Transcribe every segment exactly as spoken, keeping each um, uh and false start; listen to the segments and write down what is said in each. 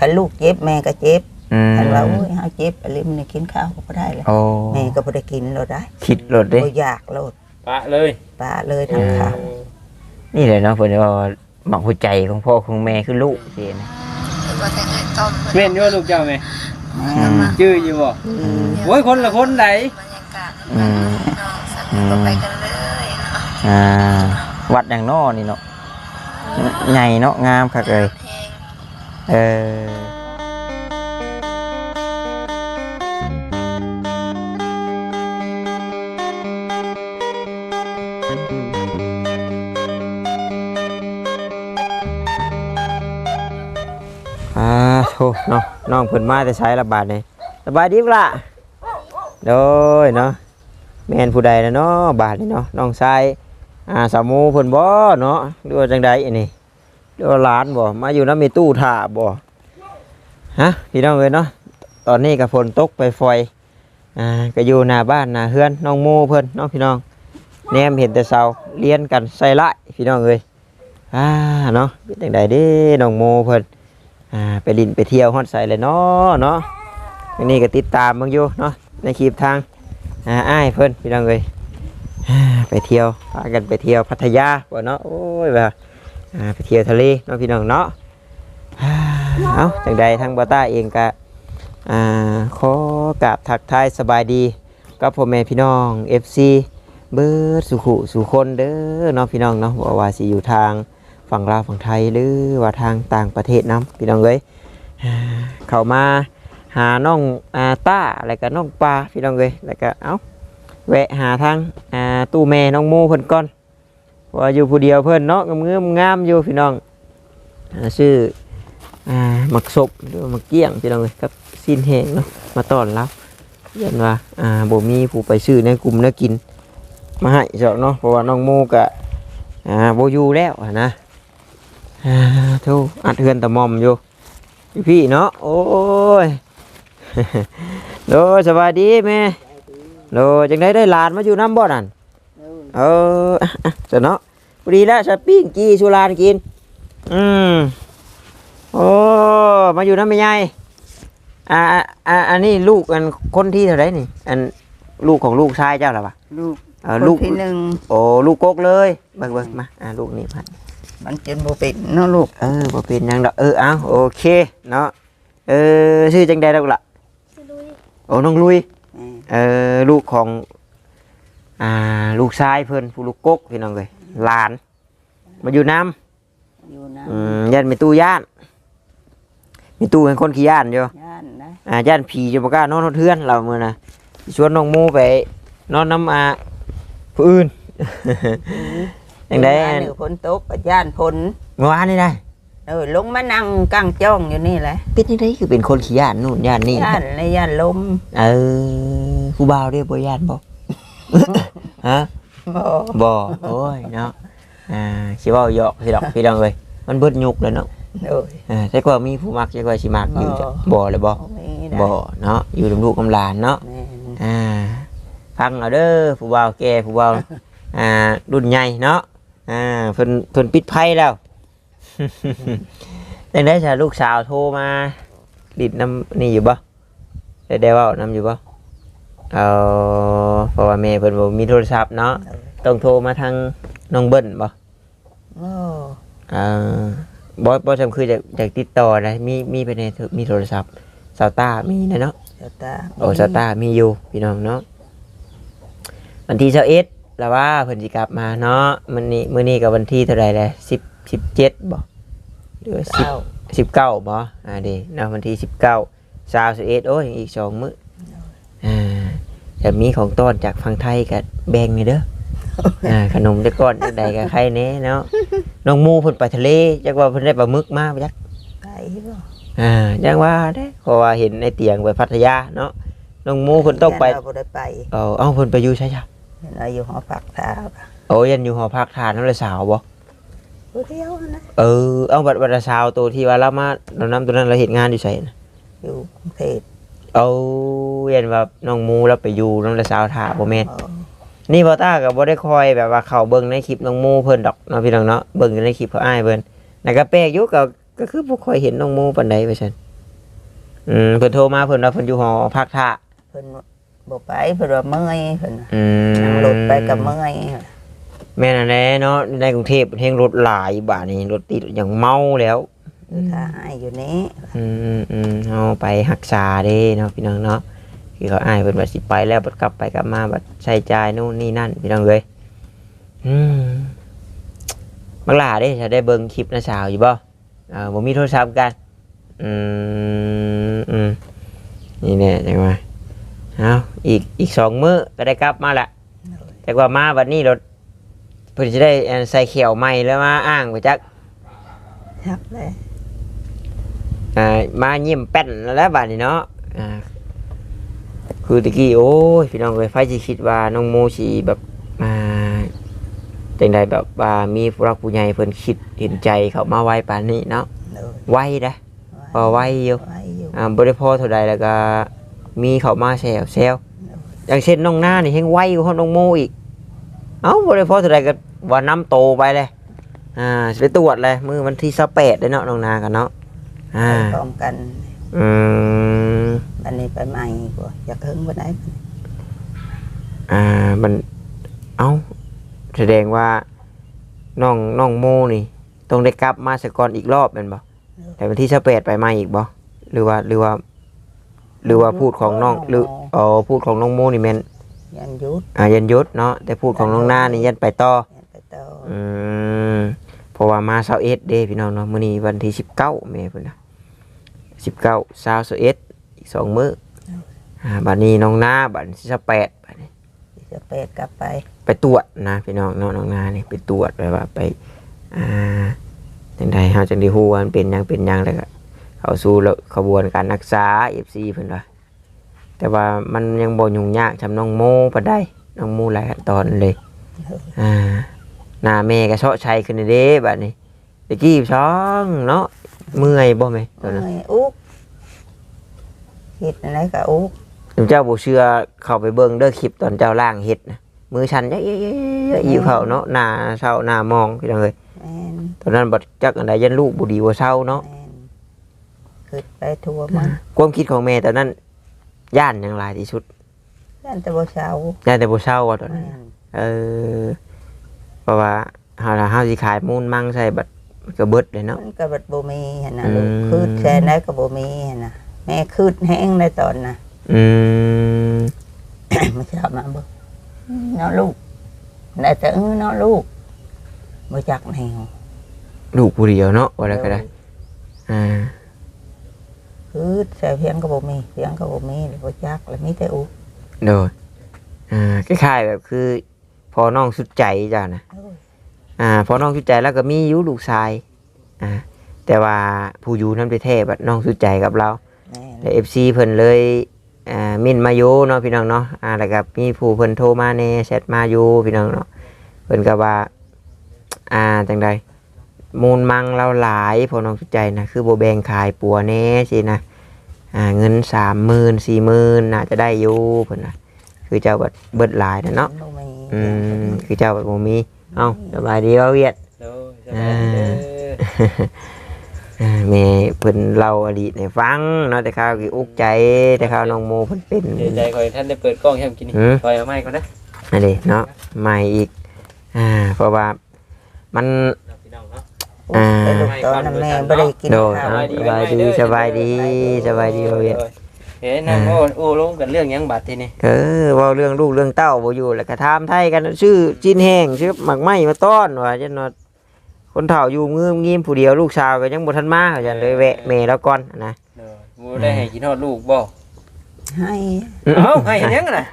คันลูกเจ็บแม่ก็เจ็บอืมคันว่าโอ้ยเฮาเจ็บอะไรมันกินข้าวก็บ่ได้เลยโอ้แม่ก็บ่ได้กินโลดได้คิดโลดเด้บ่อยากโลดปะเลยปาเลยทางข้าวนี่เลยเนาะเพิ่นว่าหมักหัวใจของพ่อของแม่คือลูกสินะว่าแต่ไงต้มแม่นอยู่ลูกเจ้าแม่อืมชื่ออยู่บ่อืมโอ้ยคนละคนไหนบรรยากาศอืมน้องสักก็ไปกันเลยเนาะอ่าวัดอย่างนอนี่เนาะใหญ่เนาะงามคักเลยเพลงเอออ่าโธ่เนาะน้องเพิ่นมาแต่ใช้ระบาดนี่สบายดีปะล่ะโดยเนาะแม่นผู้ใดนะเนาะบาดนี่เนาะน้องชายอ่าสาวหมูเพิ่นบ่เนาะหรือว่าจังใดอันนี้หรือว่าหลานบ่มาอยู่นำมีตู้ท่าบ่ฮะพี่น้องเอ้ยเนาะตอนนี้ก็ฝนตกไปฟอยอ่าก็อยู่หน้าบ้านหน้าเฮือนน้องหมูเพิ่นเนาะพี่น้องแนมเห็นแต่เสาเรียนกันใส่ละพี่น้องเอ้ยอ่าเนาะเป็นจังใดเด้น้องหมูเพิ่นอ่าไปลินไปเที่ยวฮอดใส่เลยเนาะเนาะอันนี้ก็ติดตามเบิ่งอยู่เนาะในคลิปทางอ่าอ้ายเพิ่นพี่น้องเอ้ยอ่าไปเที่ยวพากันไปเที่ยวพัทยาบ่เนาะโอ้ยว่าอ่าไปเที่ยวทะเลเนาะพี่น้องเนาะอ่าเอาจังใดทางบ่ต้าเองก็อ่าขอกราบทักทายสบายดีกับพ่อแม่พี่น้อง เอฟ ซี เบิดสุขุสุคนเด้อเนาะพี่น้องเนาะบ่ว่าสิอยู่ทางฝั่งลาวฝั่งไทยหรือว่าทางต่างประเทศนํพี่น้องเอ้ยอ่าเข้ามาหาน้องอาต้าแล้วก็น้องปลาพี่น้องเอ้ยแล้วก็เอ้าแวะหาทางอ่าตู้แม่น้องโมเพิ่นก่อนว่าอยู่ผู้เดียวเพิ่นเนาะงามๆงามอยู่พี่น้องอ่าชื่ออ่าหมักศพหรือว่าหมักเกี้ยงพี่น้องเอ้ยกับซีนแห้งเนาะมาต้อนรับเรียนว่าอ่าบ่มีผู้ไปซื้อในกลุ่มเนื้อกินมาให้เจ้าเนาะเพราะว่าน้องโมก็อ่าบ่อยู่แล้วอะนะอ่าโธ่อัดเฮือนตะมอมอยู่พี่เนาะโอ้ย โดสวัสดีแม่โดจังได้ได้หลานมาอยู่น้ำบ่อนั่นเอออ่ะอ่ะจะเนาะพอดีแล้วจะปิ้งกีสุรานกินอืมโอ้มาอยู่น้ำไม่ใหญ่อ่าอ่าอันนี้ลูกอันคนที่เท่าไหรนี่อันลูกของลูกชายเจ้าหรอปะลูกเออคนลูกที่หนึ่งโอ้ลูกกกเลยเบิ่งเบิ่งมาอ่าลูกนี่พันมันจนบ่เป็นเนาะลูกเออบ่เป็นหยังดอกเออเอาโอเคเนาะเออชื่อจังใดดอกล่ะโอ้น้องลุยแม่เออลูกของอ่าลูกชายเพิ่นผู้ลูกกกพี่น้องเลยหลานมาอยู่น้อยู่นะำอืมย่านมีตู้ย่านมีตู้เป็นคนขี้ย่านอยู่ย่านนะอ่าย่านผีจะบ่กล้านอนเทือนเราเมื่อนะชวนน้องหมูไปนอนน้ำอาผู้อื่น อย่างใดย่านหรือฝนตกก็ย่านฝนเมื่อวานนี่ได้เออลงมานั่งกลางจ้องอยู่นี่แหละเป็นยังไงคือเป็นคนขี้ย่านนู่นย่านนี่ย่านในย่านลมเออผู้บ่าวเรียกบ่ย่านบ่ ฮะบ่บ่โอ้ยเนาะอ่าสิเว้าหยอกสิดอกพี่น้องเอ้ยมันเบิดยุกแล้วเนาะโอ้ยอ่าแต่ก็มีผู้มักจักว่าสิมักอยู่จ้ะบ่บ่เลยบ่บ่มีได้บ่เนาะอยู่กับลูกกับหลานเนาะแม่นอ่าฟังเอาเด้อผู้บ่าวแก่ผู้บ่าวอ่ารุ่นใหญ่เนาะอ่าเพิ่นเพิ่นปิดไพ่แล้ว จังได๋ซะลูกสาวโทรมาดิดน้ำนี่อยู่บ่ได้ได้เว้านำอยู่บ่เอาเพราะว่าแม่เพิ่นบ่มีโทรศัพท์เนาะต้องโทรมาทางน้องเบิ้ลบ่โอ้อ่าบอสบอสจำคือจะจะติดต่อนะมีมีไปในมีโทรศัพท์ซาวต้ามีนะเนาะเจ้าตาโอ้ซาวต้ามีอยู่พี่น้องเนาะวันที่เช้าเอ็ดแล้วว่าเพิ่นสิกลับมาเนาะมันนี่มื้อนี้กับวันที่เท่าไหร่แล้วสิบสิบเจ็ดบ่หรือว่าสิบเก้าสิบเก้าบ่อ่าเดีเนาะวันที่สิบเก้าสาวสิบเอ็ดโอ้ยอีกสองมื้ออ่าจะมีของต้อนจากฝั่งไทยกับแบ่งนี่เด้อ อ่าขนมได้ก้อนใดกับใครเน่เนาะน้องหมูเพิ่นไปทะเลจักว่าเพิ่นได้ปลาหมึกมาบ่จักไปบ่อ่าจังว่าเด้เพราะว่าเห็นในเตียงไปพัทยาเนาะน้องหมูเพิ่นต้องไปเราบ่ได้ไปเอาเอ้าเพิ่นไปอยู่ใช่จ้ะเราอยู่หอพักเท้าโอ้ยันอยู่หอพักทานน้ำละสาวบ่ผู้เดียวนะเออเอาบัดบัดละสาวตัวที่ว่าเรามาเรานำตัวนั้นเราเฮ็ดงานอยู่ไสน่ะอยู่กรุงเทพเอายันว่าน้องหมูเราไปอยู่น้ำละสาวท่าบ่แม่นอ๋อนี่บ่ตาก็บ่ได้คอยแบบว่าเข้าเบิ่งในคลิปน้องหมูเพิ่นดอกเนาะพี่น้องเนาะเบิ่งในคลิปเขาอ้ายเพิ่นแล้วก็แปลกอยู่ก็ก็คือบ่ค่อยเห็นน้องหมูปานใดว่าซั่นอืมเพิ่นโทรมาเพิ่นว่าเพิ่นอยู่หอพักท่าเพิ่นบ่ไปเพิ่นว่าเมื่อยเพิ่นอืมนั่งรถไปก็เมื่อยแม่นอั่นแหละเนาะในกรุงเทพเฮงรถหลายบาดนี้รถติดอย่างเมาแล้วอยู่ท่าอ้ายอยู่นี้อืมอืมอืมเอาไปรักษาเด้เนาะพี่น้องเนาะคือเขาอ้ายเพิ่นว่าสิไปแล้วบัดกลับไปกลับมาบัดใช้จ่ายนู่นนี่นั่นพี่น้องเอ้ยอืมบักหลาเด้จะได้เบิ่งคลิปนะสาวอยู่บ่อ่าบ่มีโทรศัพท์กันอืมอืมนี่แน่จังว่าเอาอีกอีกสองมื้อก็ได้กลับมาละแต่ว่ามาบัดนี้รถเพิ่นสิได้อันใส่เขียวใหม่แล้วมาอ้างไปจักฮักเลยอ่ามาเยี่ยมแป้นแล้วบัดนี้เนาะอ่าคือตะกี้โอ้ยพี่น้องเอ้ยไฟสิคิดว่าน้องโมสิแบบมาจังใดแบบว่ามีผู้รักผู้ใหญ่เพิ่นคิดเห็นใจเขามาไวปานนี้เนาะโดยไวนะพอไวอยู่ไว้อยู่อ่าบ่ได้พอเท่าใดแล้วก็มีเขามาแซวแซวอย่างเช่นน้องหน้านี่แฮงไวกว่าน้องโมอีกเอ้าบ่ได้พอเท่าใดก็ว่าน้ำโตไปเลยอ่าสิไปตรวจเลยมื้อวันที่ยี่สิบแปดเด้อเนาะน้องนากันเนาะอ่าไปพร้อมกันอืมอันนี้ไปใหม่กว่าอยากหึงบ่ได้อ่ามันเอ้าแสดงว่าน้องน้องโมนี่ต้องได้กลับมาสกอนอีกรอบแม่นบ่แต่วันที่ยี่สิบแปดไปใหม่อีกบ่หรือว่าหรือว่า หรือว่าพูดของน้องหรืออ๋อพูดของน้องโมนี่แม่นยันยุดอ่ายันยุดเนาะแต่พูดของน้องนานี่ยันไปต่อยันไปต่ออืมเพราะว่ามาเช้าเอ็ดเด้พี่น้องเนาะมื้อนี้วันที่สิบเก้าแม่เพิ่นน่ะสิบเก้าเช้าสิบเอ็ดอีกสองมื้ออ่าบัดนี้น้องนาบัดที่สิบแปดบัดนี้จะเป็ดกลับไปไปตรวจนะพี่น้องน้องน้องนานี่ไปตรวจแบบว่าไปอ่าจังใดเฮาจังได้ฮู้ว่ามันเป็นหยังเป็นหยังแล้วก็เข้าสู่ขบวนการรักษา เอฟ ซี เพิ่นว่าแต่ว่ามันยังบ่ยุ่งยากจำน้องโมปานใดน้องโมหลายขั้นตอนเลยอ่าหน้าแม่ก็เชาะชัยขึ้นเด้บัดนี้ตะกี้ช่องเนาะเมื่อยบ่แม่ตอนนั้นเมื่อยอุ๊กเฮ็ดอะไรก็อุ๊กเจ้าบ่เชื่อเข้าไปเบิ่งเด้อคลิปตอนเจ้าล่างเฮ็ดนะมือชันเยอะๆๆอยู่เขาเนาะหน้าเศร้าหน้ามองพี่น้องเอ้ยแม่นตอนนั้นบัดจักอันใดยันลูกบ่ดีบ่เศร้าเนาะแม่นขึ้นไปทั่วมันความคิดของแม่ตอนนั้นย่านหยังหลายที่สุดยันแต่บ่เช้าย่านแต่บ่เศร้าว่าตอนนั้นแม่นเออเพราะว่าเฮาล่ะเฮาสิขายมูลมั่งใส่บัดมันก็เบิดเลยเนาะมันก็บัดบ่มีหั่นน่ะอืมลูกคืดแช่ไหนก็บ่มีหั่นน่ะแม่คืดแห้งในตอนน่ะอืมมาชอบมาเบิ่งเนาะลูกได้แต่เออเนาะลูกบ่จักแนวลูกผู้เดียวเนาะว่าแล้วก็ได้อ่าคืดแช่เพียงก็บ่มีเพียงก็บ่มีบ่จักแล้วมีแต่อุ๊กโดยอ่าคล้ายๆแบบคือพอน้องสุดใจจ้ะนะโอ้ยอ่าพอน้องสุดใจแล้วก็มีอยู่ลูกชายอ่าแต่ว่าผู้อยู่นั้นไปแท้บัดน้องสุดใจกับเราแม่นแล้ว เอฟ ซี เพิ่นเลยอ่ามินมาอยู่เนาะพี่น้องเนาะอ่าแล้วก็มีผู้เพิ่นโทรมาแหน่แชทมาอยู่พี่น้องเนาะเพิ่นก็ว่าอ่าจังใดมูลมังเราหลายพอน้องสุดใจนะคือบ่แบ่งขายปัวแหน่สินะอ่าเงิน สามหมื่น สี่หมื่น น่าจะได้อยู่เพิ่นน่ะคือเจ้าบัดเบิดหลายนะเนาะบ่มีอืมคือเจ้าแบบบ่มีเอ้าสบายดีบ่เวียดโดยสบายดีเด้ออ่าแม่เพิ่นเล่าอดีตให้ฟังเนาะแต่ข้าวกี่อุกใจแต่ข้าวน้องโมเพิ่นเป็นเดี๋ยวใจคอยท่านได้เปิดกล้องให้ผมกินนี่หืมคอยเอาไม้ก่อนนะอันนี้เนาะใหม่อีกอ่าเพราะว่ามันพี่น้องเนาะอ่าไปลูกตอนนั้นแม่บ่ได้กินโดยข้าวเนาะสบายดีสบายดีสบายดีบ่เวียดเฮ้ยนั่งโอ้โอ้ลงกันเรื่องหยังบัดทีนี่เออเว้าเรื่องลูกเรื่องเต้าบ่อยู่แล้วก็ถามไทยกันชื่อจีนแห้งชื่อหมักไหม้มาต้อนว่าจังเนาะคนเฒ่าอยู่งืมงิมผู้เดียวลูกสาวก็ยังบ่ทันมาเขาจังเลยแวะแม่แล้วก่อนนะเด้อบ่ได้ให้กินฮอดลูกบ่ให้เอ้าให้เห็นยังน่ะ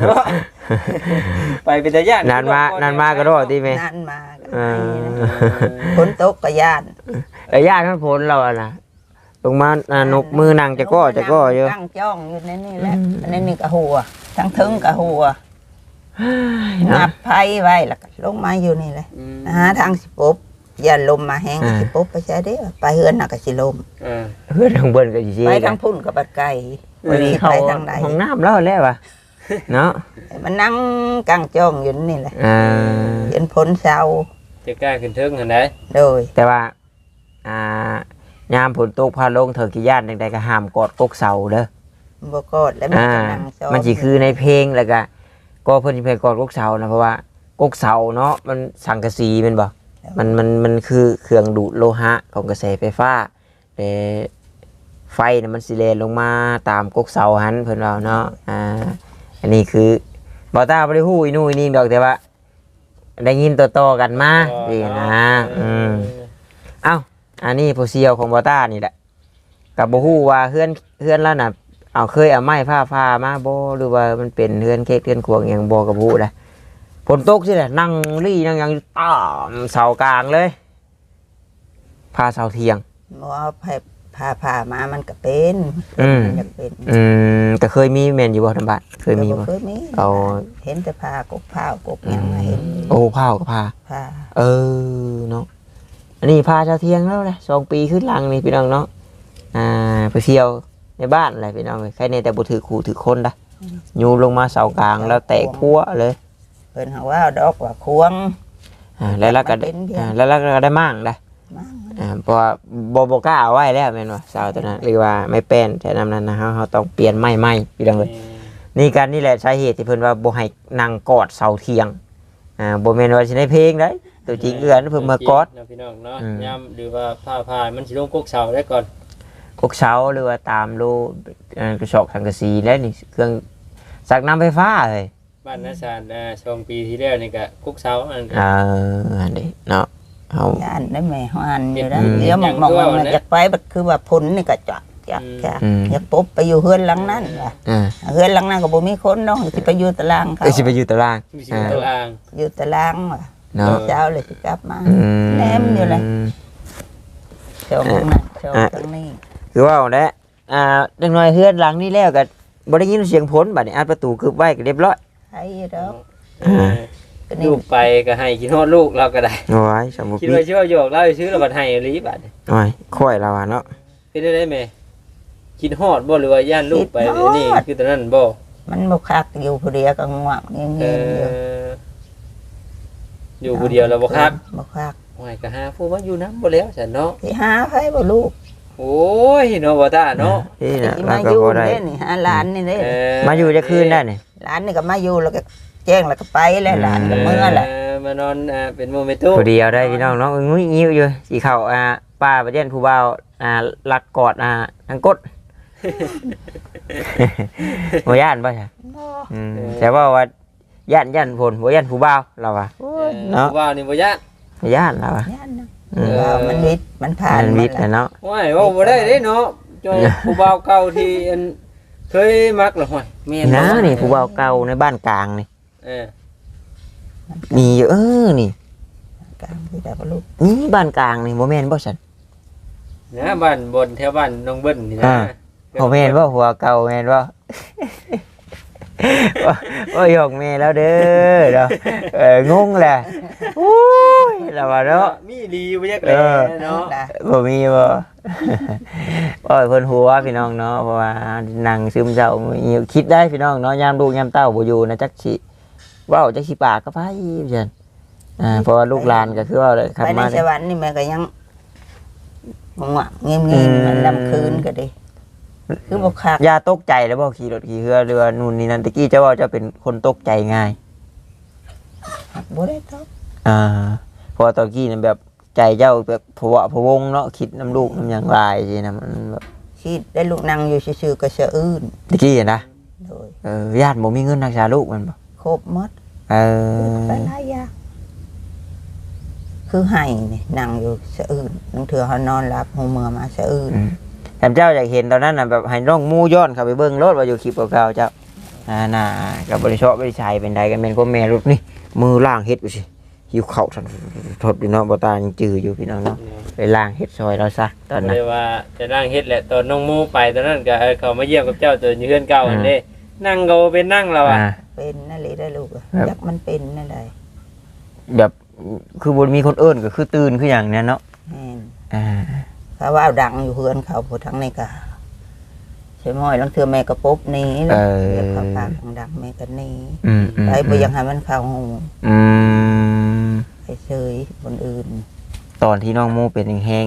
ไปเป็นตาย่านนานมานานมาก็รอดติแม่นั่นมาก็เอให้อฝนตกก็ย่านแต่ญาติท่านผลเราอะนะลงมาอ่านกมือนางจะก้อจะก้อเยอะตั้งจ้องอยู่ในนี่แหละอันนี้นี่ก็หัวทั้งถึงก็หัวนับไผไว้แล้วก็ลงมาอยู่นี่แหละอืมหาทางสิปบอย่าลมมาแห้งสิปบไปใช้เด้อไปเฮือนน่ะก็สิลมเออเพื่อนของเบิ้นก็จีไปทางพุ่นกับบัดไก่วันนี้เขาไปทางใดห้องน้ำแล้วแล้ววะเนาะมันนั่งกลางจ้องอยู่นี่แหละอ่าเห็นผลเช้าจะกล้าขึ้นเทิงหั่นได้โดยแต่ว่าอ่ายามฝนตกพาลงเถิงกี่ย่านใดๆก็ห้ามกอดกกเสาเด้อบ่กอดแล้วมันอ่าก็นั่งซ้อมันสิคือในเพลงแล้วก็ก็เพิ่นสิเพลงกอดกกเสานะเพราะว่ากกเสาเนาะมันสังกะสีแม่นบ่มันมันมันคือเครื่องดูดโลหะของกระแสไฟฟ้าแต่ไฟน่ะมันสิแล่นลงมาตามกกเสาหันเพิ่นว่าเนาะอ่าอันนี้คือบ่ตาบ่ได้ฮู้อีนู่นอีนี่ดอกแต่ว่า ได้ยินต่อๆกันมานี่นะอืมเอ้าอันนี้ผู้เชี่ยวของบ่ตานี่แหละก็บ่ฮู้ว่าเฮือนเฮือนแล้วน่ะเอาเคยเอาไม้ผ้าผ้ามาบ่หรือว่ามันเป็นเฮือนเค้กเฮือนขวงหยังบ่ก็บ่ฮู้นะฝนตกสิแหละนั่งรี่นั่งหยังตามเสากลางเลยพาเสาเทียงบ่เอาไผพาพามามันก็เป็นอืมมันอยากเป็นอืมแต่เคยมีแม่นอยู่บ่ทำบ้านเคยมีบ่บ่เคยมีเอาเห็นแต่พากกพาวกกหยังมาเห็นโอ้ผ้าก็ผ้าพาเออเนาะอันนี้พาเสาเทียงแล้วแหละสองปีขึ้นหลังนี่พี่น้องเนาะอ่าไปเที่ยวในบ้านอะไรพี่น้องเลยใครในแต่บ่ถือขู่ถือคนนะยูลงมาเสากลางแล้วแตกพัวเลยเพิ่นหาว่าดอกว่าควงอ่าแล้วเราก็ได้อ่าแล้วเราก็ได้มั่งได้มั่งอ่าเพราะว่าบ่บ่กล้าเอาไว้แล้วแม่นว่าเสาตัวนั้นหรือว่าไม่แป้นแต่นำนั้นนะเฮาเฮาต้องเปลี่ยนไม้ใหม่พี่น้องเลยนี่กันนี่แหละสาเหตุที่เพิ่นว่าบ่ให้นั่งกอดเสาเทียงอ่าบ่แม่นว่าสิได้เพลงได้ตัวจริงเอื้อนเพิ่นมากอดเนาะพี่น้องเนาะอืมย่ำหรือว่าผ้าพายมันสิลงกกเสาได้ก่อนกกเสาหรือว่าตามรูเอ่อกระสอบสังกะสีแล้วนี่เครื่องสักน้ำไฟฟ้าเลยบ้านนาซานอ่าสองปีที่แล้วนี่ก็กกเสาอันเอออันนี้เนาะเฮาย่านได้แม่ฮานอยู่นะอืมเดี๋ยวมองมองอย่างมันตัวนะอยากไปบัดคือว่าผลนี่ก็จักจักจักอืมอยากปุ๊บไปอยู่เฮือนหลังนั้นว่ะอ่าเฮือนหลังนั้นก็บ่มีคนเนาะสิไปอยู่ตารางเขาเอ้ยสิไปอยู่ตารางมีสิบตารางอยู่ตารางว่ะเนาะเช้าเลยสิกลับมาอืมแนมอยู่เลยเจ้าของนั้นเจ้าทางนี้คือว่าเอาแหละอ่าจังน้อยเฮือนหลังนี้แล้วก็บ่ได้ยินเสียงผลบัดนี้อัดประตูกึบไว้ก็เรียบร้อยไอ้ดอกเออก็นี่ลูกไปก็ให้กินฮอดลูกเราก็ได้โอ้ยสมมุติคิดว่าชื่อว่าโยกเราซื้อแล้วบัดให้อีหลีบัดโอ้ยค่อยแล้วอ่ะเนาะเป็นได้ไหมคิดฮอดบ่หรือว่าย่านลูกไปนี่คือตอนนั้นบ่มันบ่คักอยู่ผู้เดียวก็ง่วงเงีเอยบๆอยู่ออยู่ผู้เดียวแล้วบ่คักบ่คักโอ้ยก็หาผู้ว่าอยู่น้ำบ่แล้วฉันเนาะสิหาไผบ่ลูกโอ้ยเนาะบ่ตาเนาะนี่น่ะสิแล้มาว อก็ยู่บ่ได้เด้นี่หาหลานนี่เด้เออมาอยู่จะคืนได้นี่หลานนี่ก็มาอยู่แล้วก็แจ้งแล้วก็ไปแล้วหลานก็เมื่อแหละเออมานอนอ่าเป็นโมเมนตุผู้เดียวได้พี่น้องเนาะงุ้ยงิ้วอยู่สิเข้าอ่าป้าประเด็นผู้บ่าวอ่าลักกอดอ่าทางกด บ่ย่านบ่ใช่อืมแต่ว่าว่าย่านย่านผลบ่ย่านผู้บ่าวเราว่าเออเนาะว่านี่บ่ยากบ่ย่านเราว่าย่านนะอืมว่ามันวิทย์มันผ่านมันมาวิทย์แล้วน่ะเนาะโอ้ยเว่าบ่ได้เด้เนาะจอยผู้บ่าวเก่าที่อันเคยมักล่ะห้อยแม่นนะบ่นี่ผู้บ่าวเก่าในบ้านกลางนี่เออมีอยู่เออนี่กลางที่ได้บ่ลูกนี่บ้านกลางนี่บ่แม่นบ่ซั่นนะบ้านบนแถวบ้านน้องเบิ้นนี่นะอ่า บ่แม่นบ่หัวเก่าแม่นบ่ โอ้ยยกแม่แล้วเด้อเนาะเอองงแหละโอ้ยแล้วว่าเนาะมีดีบ่ยักเอแลอเนาะนะบ่มีบ่ โอ้ยเพิ่นหัวพี่น้องเนาะเพราะว่านั่งซึมเศร้ามีคิดได้พี่น้องเนาะยามลูกยามเต้าบ่อยู่นะจักสิเว้าจักสิปากก็ไผเพิ่นอ่าเพราะว่าลูกหลานก็คือว่าเลยขับไปในมาสเนี่ยวรรค์นี่แม่ก็ยังง่วงเงียบๆมันลำคืนก็ดีคือบ่คักอย่าตกใจแล้วบ่ขี่รถขี่เรือเรือนู่นนี่นั่นตะกี้เจ้าว่าเจะเป็นคนตกใจง่ายบ่ได้ตอบอ่าเพอตอนกี้นั่นแบบใจเจ้าแบบผวะพะวงเนาะคิดน้ำลูกน้ำหยังหลายสินะมันแบบคิดได้ลูกนั่งอยู่ซื่อๆก็สะอื้นตะกี้อะนะโดยเออญาติบ่มีเงินรักษาลูกมันบ่ครบหมดเออไปหลายอย่างคือให้นี่นั่งอยู่สะอื้นบางเทื่อเฮานอนหลับหูเมื่อมาสะอื้นอืมแต่เจ้าอยากเห็นตอนนั้นน่ะแบบให้น้องมู่ย้อนเข้าไปเบิ่งรถว่าอยู่คลิปเก่าๆเจ้าอ่าน่ะกับบริษัทบริชัยเป็นใดกันเป็นพ่อแม่ลูกนี่มือล่างเฮ็ดอยู่สิหิวข้าวทันทดอยู่เนาะบ่ตายังจืออยู่พี่น้องเนาะไปล่างเฮ็ดซอยเราซะตอนนั้นเลยว่าจะนั่งเฮ็ดแหละตอนน้องโมไปตอนนั้นก็เออเขามาเยี่ยมกับเจ้าตัวอยู่เฮือนเก่าอันเด้นั่งก็เป็นนั่งเราอ่ะอ่าเป็นนั่นเลยได้ลูกอะครับจักมันเป็นนั่นใดแบบคือบ่มีคนเอิ้นก็คือตื่นคือหยังเนี่ยเนาะแม่นอ่าเขาว่าดังอยู่เฮือนเขาผู้ทั้งในกาใช่ม้อยลังเทื่อแม่ก็ปุ๊บหนี้เดี๋ยวเขาปากดังแม่ก็หนี้อืมอืมไปบ่อยังให้มันเข้าหูอืมไปเฉยคนอื่นตอนที่น้องโมเป็นแห้งๆนี่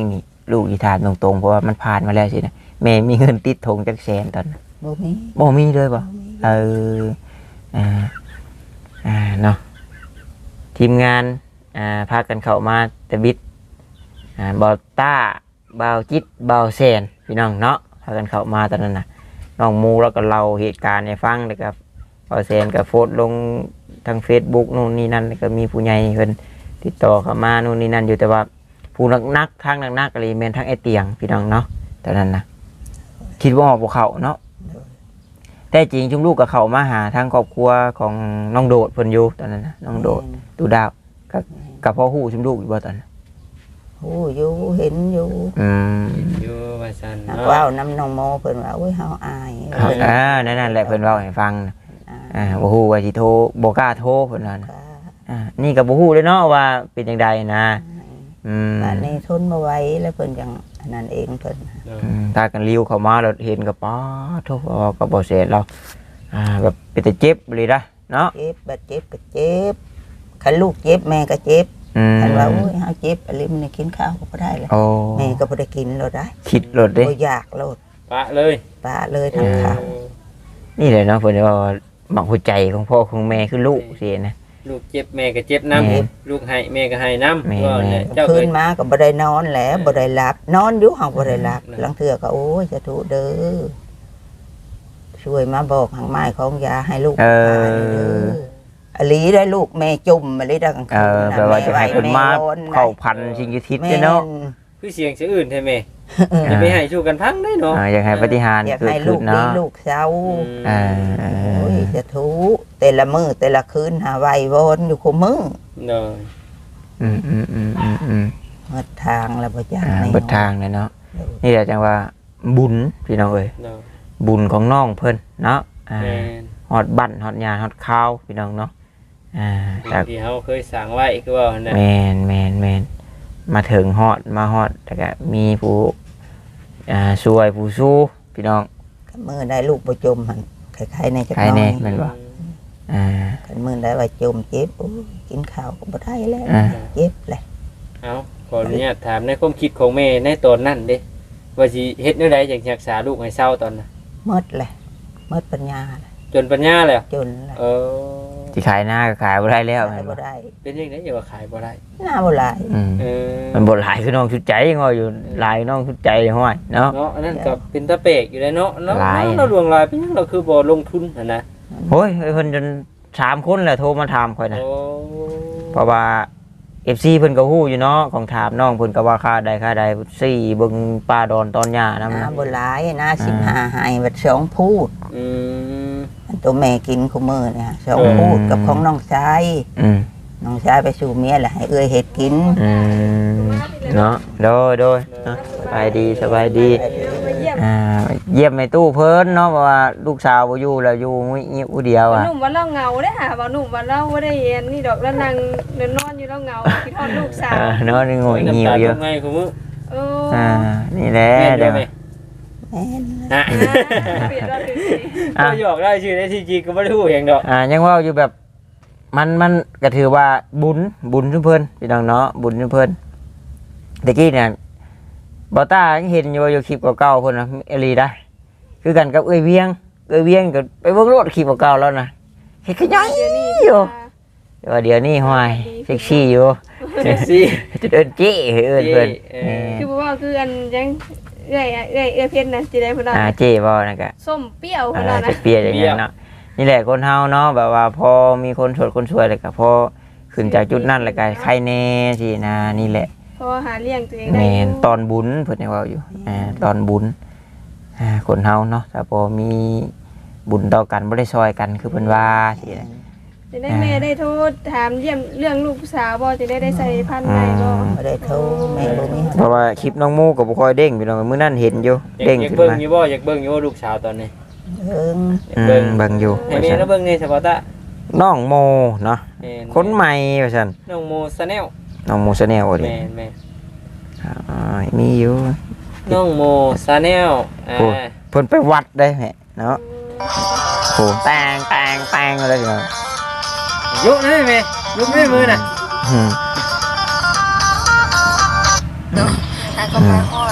ลูกอีถามตรงๆเพราะว่ามันผ่านมาแล้วสินะแม่มีเงินติดธงจักแสนตอนนั้นบ่มีบ่มีเลยบ่บ่มีเอออ่าอ่าเนาะทีมงานอ่าพากันเข้ามาแต่บิดอ่าบอต้าบาวจิตบาวแซนพี่น้องเนาะพากันเข้ามาตอนนั้นน่ะน้องมูแล้วก็เล่าเหตุการณ์ให้ฟังแล้วก็บาวแซนก็โพสต์ลงทาง Facebook นู่นนี่นั่นแล้วก็มีผู้ใหญ่เพิ่นติดต่อเข้ามานู่นนี่นั่นอยู่แต่ว่าผู้นักๆทางนักๆก็เลยแม่นทางไอ้เตียงพี่น้องเนาะตอนนั้นน่ะคิดว่าออกบ่เข้าเนาะแต่จริงชุมลูกกับเขามาหาทางครอบครัวของน้องโดดเพิ่นอยู่ตอนนั้นนะน้องโดดตูดาวกับกับพ่อฮู้ชุมลูกอยู่บ่ตอนนั้นโอ้อยู่เห็นอยู่อืมอยู่ว่าซั่นนักเนาะว่าวน้ำนองโมเพิ่นว่าโอ้ยเฮาอายครับเพิ่นอ่านั่นนั่นแหละเพิ่นเว้าให้ฟังนะอ่าอ่าบ่ฮู้ว่าสิโทรบ่กล้าโทรเพิ่นว่านะค่ะอ่านี่ก็บ่ฮู้เลยเนาะว่าเป็นจังไดนะอืมบ้านนี้ทนบ่ไหวแล้วเพิ่นจังอันนั้นเองเพิ่นอืมถ้ากันริ้วเข้ามาแล้วเห็นก็ป๊าโทรก็บ่เสร็จแล้วอ่าแบบเป็นแต่เจ็บเลยนะเนาะเจ็บบัดเจ็บก็เจ็บคันลูกเจ็บแม่ก็เจ็บอืมคันว่าโอ้ยเฮาเจ็บอะไรมันกินข้าวก็บ่ได้เลยโอ้แม่ก็บ่ได้กินโลดได้คิดรถเด้บ่อยากโลดปะเลยปาเลยทางข้าวนี่เลยเนาะเพิ่นว่าหมักหัวใจของพ่อของแม่คือลูกสินะลูกเจ็บแม่ก็เจ็บน้แม่ำลูกให้แม่ก็ให้น้ำแม่ว่าเนี่ยเจ้าคืเอ้นยมาก็บ่ได้นอนแหละบ่ได้หลับ นอนอยู่ห้องบ่ได้หลับหลังเทื่อก็โอ้ยจะถูเด้อช่วยมาบอกทางไม้ของยาให้ลูกเออทานเด้ออลีได้ลูกแม่จุ่มมาเลยดังเออแปลว่าจะให้เพิ่นมาเข้าพันสิ่งยุทิศแม่เด้อเนาะคือเสียงเสียงอื่นใช่ไหมเออจะไม่ให้สู้กันพังได้เนาะอ่าอยากให้ปฏิหารอยากเกิดให้ขึ้ลูนกดีเนาะลูกเศร้าอ่าโอ้ยจะถูแต่ละมือแต่ละคืนหาไว้วนอยู่คู่มือเนาะอืมอืมอืมอืมอืมหมดทางแล้วบ่จักอ่าแนวเบิดทางเลยเนาะนี่แหละจังว่าบุญพี่น้องเอ้ยเนาะบุญของน้องเพิ่นเนาะอ่าแม่นฮอดบั้นฮอดยาฮอดข้าวพี่น้องเนาะอ่าแต่ที่เขาเคยสั่งไว้คือว่าเนี่ยแมนแมนแมนมาถึงฮอดมาฮอดแต่ก็มีผู้อ่าช่วยผู้สู้พี่น้องมือได้ลูกบ่จมหั่นคล้ายๆในจักใครหน้แน่อยแม่นบ่อ่าคันมือได้ว่าจมเจ็บโอ้ยกินข้าวก็บ่ได้แล้วอ่าเจ็บเลยเอาขออนุญาตถามในความคิดของแม่ในตอนนั้นเด้ว่าสิเฮ็ดแนวใดอยากรักษาลูกให้เศร้าตอนน่ะหมดเลยหมดปัญญาเลยจนปัญญาแล้วจนเลยเออที่ขายหน้าก็ขายบ่ได้แล้วขายแม่นบ่บ่ได้เป็นยังไงอย่าว่าขายบ่ได้หน้าบ่หลายอืมเออมันบ่หลายคือน้องชุดใจงออยู่หลายน้องชุดใจห้อยเนาะเนาะอันนั้นก็เป็นตะเปกอยู่เลยเนาะเนาะหลายเราลวงลายเป็นหยังเราคือบ่ลงทุนหั่นนะโอ้ยเพิ่นจนสามคนแหละโทรมาถามข่อยนะโอ้เพราะว่า เอฟ ซี เพิ่นก็ฮู้อยู่เนาะของถามน้องเพิ่นก็ว่าค่าใดค่าใดสี่เบิ่งปลาดอนตอนหญ้าหน้านำนะบ่หลายหน้าสิบห้าให้บัดสองพูดอืมอันตัวแม่กินคู่มื้อเนี่ยสองอืมพูดกับของน้องชายอืมน้องชายไปสู่เมียแหละให้เอื้อยเฮ็ดกินอืมเนาะโดยโดยเนาะสบายดีสบายดีอ่าเยี่ยมในตู้เพิ่นเนาะเพราะว่าลูกสาวบ่อยู่แล้วอยู่มื้อผู้เดียวว่าอ่ะหนุ่มว่าเราเหงาได้ค่ะว่าหนุ่มว่าเราไม่ได้เรียนนี่ดอกแล้วนั่งนอนอยู่เราเหงาคิดทอดลูกสาวเออเนาะนี่งอยงิวอยู่น้ำตาลงไงคุณมื้อเอออ่านี่แหละแม่นเดี๋ยวไหมแม่นฮะเปลี่ยนเราถึงสิอ่ะก็หยอกได้ชื่อได้ที่จริงก็ไม่ได้พูดเองดอกอ่ายังเว่าอยู่แบบมันมันก็ถือว่าบุญบุญชุมเพิ่นพี่น้องเนาะบุญชุมเพิ่นตะกี้เนี่ยบอต้ายังเห็นอยู่อยู่คลิปเก่าๆเพิ่นนะเอลีได้ คือกันกับเอ้ยเวียงเอ้ยเวียงก็ไปเบิ่งรถคลิปเก่าๆแล้วนะเฮ็ดขยันเดี๋ยวนี้อยู่แต่ว่าเดี๋ยวนี้ห้อยเซ็กซี่อยู่เซ็กซี่จะเอิ้นเจ้เอิ้นเพิ่นเออคือบอกว่าคืออันยังเอ้ยเอ้ยเอ้ยเพชรนะจีได้พนันอ่าเจ้บ่นั่นก็ส้มเปรี้ยวพอ่านันจะนะเปรียอย่างนั้นเนาะนี่แหละคนเฮาเนาะแบบว่าพอมีคนสดคนสวยแล้วก็พอขึ้นจากจุดนั้นแล้วก็ใครแน่สินะนี่แหละเพราะหาเลี้ยงตัวเองแมได้นตอนบุญเพิ่นยังเว่าอยู่อ่าตอนบุญอ่าคนเฮาเนาะถ้าพอมีบุญต่อกันบ่ได้ซอยกันคือเพิ่นว่าสินะจะได้แม่ได้โทษถามเยี่ยมเรื่องลูกสาวบ่จะได้ได้ใส่พันธุ์ได้บ่บ่ได้โทรแม่บ่มีเพราะว่าคลิปน้องมูก็บ่ค่อยเด้งพี่น้องมื้อนั้นเห็นอยู่อยากเด้งอยากขึ้นเบิ่งมาอยู่บ่อยากเบิ่งอยู่ว่าลูกสาวตอนนี้เอิงอยากอืเบิ่งมเบิ่งอยู่ให้แม่แล้วเบิ่งในสปอร์ตะน้องโมเนาะแม่นคนใหม่ว่าซั่นน้องโมซาแนลน้องโมชาแนลว่าดิแม่นแม่นอ่ามีอยู่น้องโมซาแนลอ่าโอ้ เพิ่นไปวัดได้แหะเนาะโหแตงแตงแตงอะไรอย่างเงี้ยยุกนี่แม่ยุกนี่มือน่ะอืมแล้วก็มาฮอด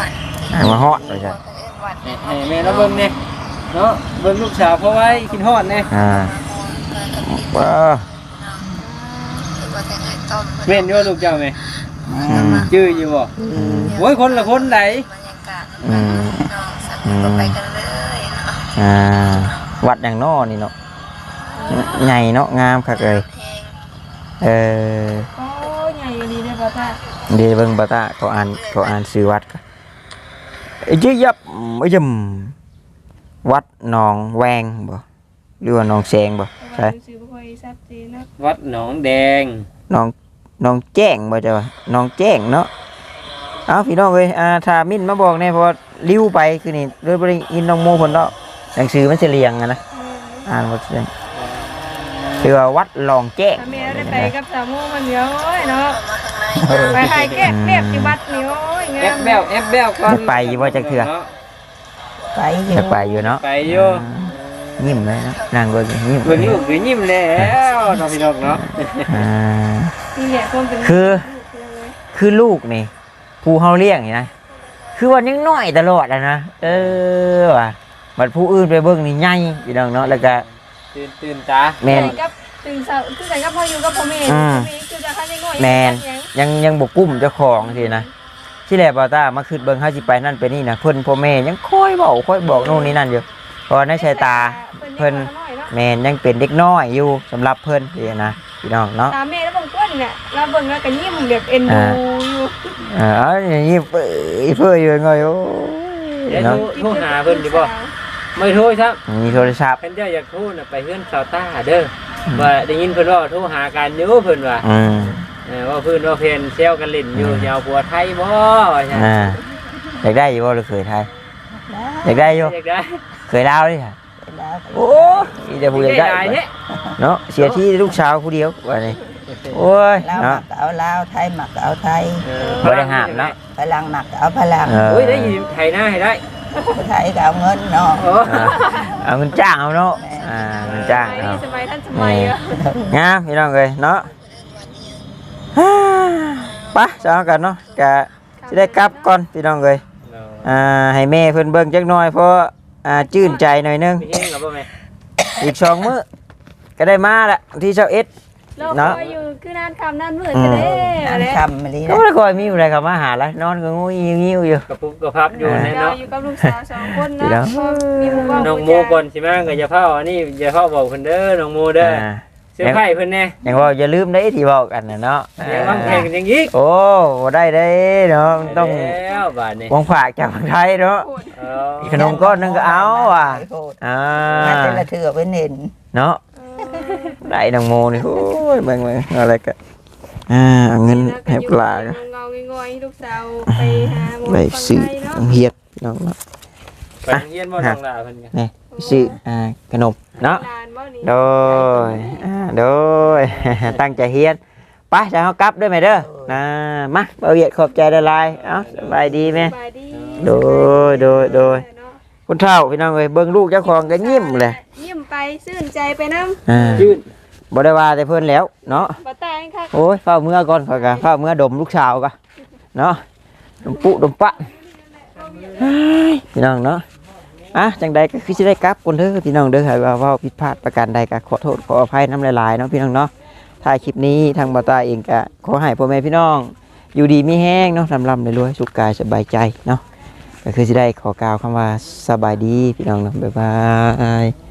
ให้มาฮอดว่าซั่นให้แม่เราเบิ่งนี่เนาะเบิ่งลูกสาวเพราะไว้คิดฮอดแน่อ่าว้าบ่ได้ให้ต้มแม่นอยู่ลูกเจ้าแม่อืมชื่ออยู่บ่อืมโอ้ยคนละคนไหนบรรยากาศน้องสักก็ไปกันเลยเนาะอ่าวัดอย่างนอนี่เนาะใหญ่เนาะงามคักเลยแฮงเออโอ้ใหญ่ดีเลยบ่ตาเดี๋ยวเบิ่งบ่ตาเขาอ่านเขาอ่านชื่อวัดกันไอ้เจี๊ยับไอ้ยำวัดหนองแวงบ่หรือว่าหนองแสงบ่แต่ใช่ว่าชื่อบ่ค่อยชัดเจนนะวัดหนองแดงหนองหนองแจ้งบ่จ้ะวะหนองแจ้งเนาะเอ้าพี่น้องเอ้ยอ่าถ้ามิ้นมาบอกแน่เพราะว่าลิ้วไปคือนี่เลยบ่ได้ยินน้องโมเพิ่นดอกหนังสือมันสิเรียงอะนะอ่านบ่ได้คือว่าวัดหนองแจ้งถ้าแม่ได้ไปกับสาวโมมันเดียวโอ้ยเนาะมาข้างในไปถ่ายแก้เรียบที่วัดนี่โอ้ยแองาบมแบวแอบแบวก่อนจะไปอยู่บ่จักเทื่อไปอยู่จะไปอยู่เนาะไปอยู่ยิ้มเลยเนาะนั่งเบิ่งยิ้มเบิ่งลูกคือยิ้มแล้วน้องพี่น้องเนาะอ่านี่แหละความเป็นคือ คือลูกนี่ผู้เฮาเลี้ยงนี่นะคือว่ายังน้อยตลอดอะนะเออว่ะบัดผู้อื่นไปเบิ่งนี่ใหญ่พี่น้องเนาะแล้วก็ตื่นตื่นตาแม่นกับตื่นเช้าคือกันกับพ่ออยู่กับพ่อแม่อืมพ่อแม่คือจะคันยังน้อยแม่น ยังยังบ่กุ้มเจ้าของสินะที่แรกบ่าวตามาคิดเบิ่งเฮาสิไปนั่นไปนี่นะเพิ่นพ่อแม่ยังคอยเว้าคอยบอกโน่นนี่นั่นอยู่เพราะในสายตาเพิ่นแม่นยังเป็นเด็กน้อยอยู่สำหรับเพิ่นสินะพี่น้องเนาะตามแม่แล้วบางคนเนี่ยเราเบิ่งแล้วก็ยิ้มแบบเอ็นดูอยู่เออเอาอย่างนี้เปื่อยเปื่อยอยู่ไงโอ้เดี๋ยยว เนาะโทรโทรหาเพิ่นดิบ่ไม่โทรครับมีโทรศัพท์เพิ่นเจ้าอยากโทรน่ะไปเฮือนสาวต้าเด้อว่าได้ยินเพิ่นว่าโทรหากันอยู่เพิ่นว่าอืมเออว่าเพิ่นว่าเพิ่นเซลกันเล่นอยู่อยาวผัวไทยบ่ว่าซั่นอ่าอยากได้อยู่บ่หรือเคยไทยอยากได้อยู่อยากได้เคยเล่าดิค่ะแล้วโอ้ยเดี๋ยวผู้อยากได้ได้เนี่ยเนาะเสียที่ลูกสาวผู้เดียวว่านี่โอ้ยลาวหมัเนาะกก็เอาลาวไทยหมักก็เอาไทยเออบ่ได้ห้ามเนาะพลังหมักก็เอาพลังเออโอ้ยได้ยินไทยหน้าให้ได้ไทยก็เอาเงินเนาะโอ้อ่าเอาเงินจ้างเอาเนาะอ่าเงินจ้างสมัยเอานี้สมัยท่านสมัยอะงามพี่น้องเลยเนาะฮ่าไปเช้ากันเนาะกะจะได้กลับก่อนพี่น้องเลยอ่าให้แม่เพิ่นเบิ่งจักหน่อยเพราะอ่าจื่นใจหน่อยนึงมีเฮงกับบ่แม่อีกสองมื้อก็ได้มาละที่เช้าเอ็ดเราเนาะคอยอยู่คือนั่นคำนั่นมืดจะได้อะนั่นไรคำมาลีก็ไม่ได้คอยมีอะไรกับมาหาแล้วนอนก็งูยิ้วๆอยู่กับปุ๊บกับพับอยู่ในเราเนาะอยู่กับลูกสาวสองคนดีนะแล้วพอมีหมู่บ้านน้องโมก่อนสิมาก็อย่าเฝ้าอันนี้อย่าเฝ้าบอกเพิ่นเด้อน้องโมเด้ออ่าเสื้อไผ่เพิ่นแน่อย่างว่าอย่าลืมได้ที่บอกกันนะเนาะยังวางแผนกันอย่างอีกโอ้บ่ได้ได้เนาะมันต้องแล้วบาดนี้วางฝากจากคนไทยเนาะเอออีกขนมก้อนนึงก็เอาว่ะอ่าน่าจะละเถือไปเน้นเนาะได้นางโมนี่โอ้ยเบิ่งๆอะไรกันอ่าเอาเงินให้ปลาก็เงาๆงอยๆลูกสาวไปหาหมอไปฟังซื้อไทยเนาะเฮียดพี่น้องเนาะไปโรงเรียนบ่น้องลาเพิ่นก็นี่ไปซื้ออ่าขนมเนาะลานบ่นี่โดยอ่าโดย ตั้งใจเฮียนไปจะเอากลับด้วยไหมเด้อนะมาเอาเหยียดขอบใจละลายเอ้าสบายดีไหมสบายดีโดยโดยโดย คุณเฒ่าพี่น้องเอ้ยเบิ่งลูกเจ้าของก็ยิ้มเลยยิ้มไปซื่นใจไปนำอ่ายืนบ่ได้ว่าแต่เพิ่นแล้วเนาะบ่ตายค่ะโอ้ยเฝ้าเมื่อก่อนข่อยก็เฝ้าเมื่อดมลูกสาวก็เนาะดมปุดมปะเฮ้ยพี่น้องเนาะอ่ะจังใดก็คือสิได้กลับคนเด้อพี่น้องเด้อหากว่าเว้าผิดพลาดประการใดก็ขอโทษขออภัยน้ำหลายๆเนาะพี่น้องเนาะถ่ายคลิปนี้ทางบ่าวตาเองก็ขอให้พ่อแม่พี่น้อง อยู่ดีมีแห้งเนาะลำลำรวยๆสุขกายสบายใจเนาะก็คือสิได้ขอกล่าวคำว่าสบายดีพี่น้องเนาะบ๊ายบาย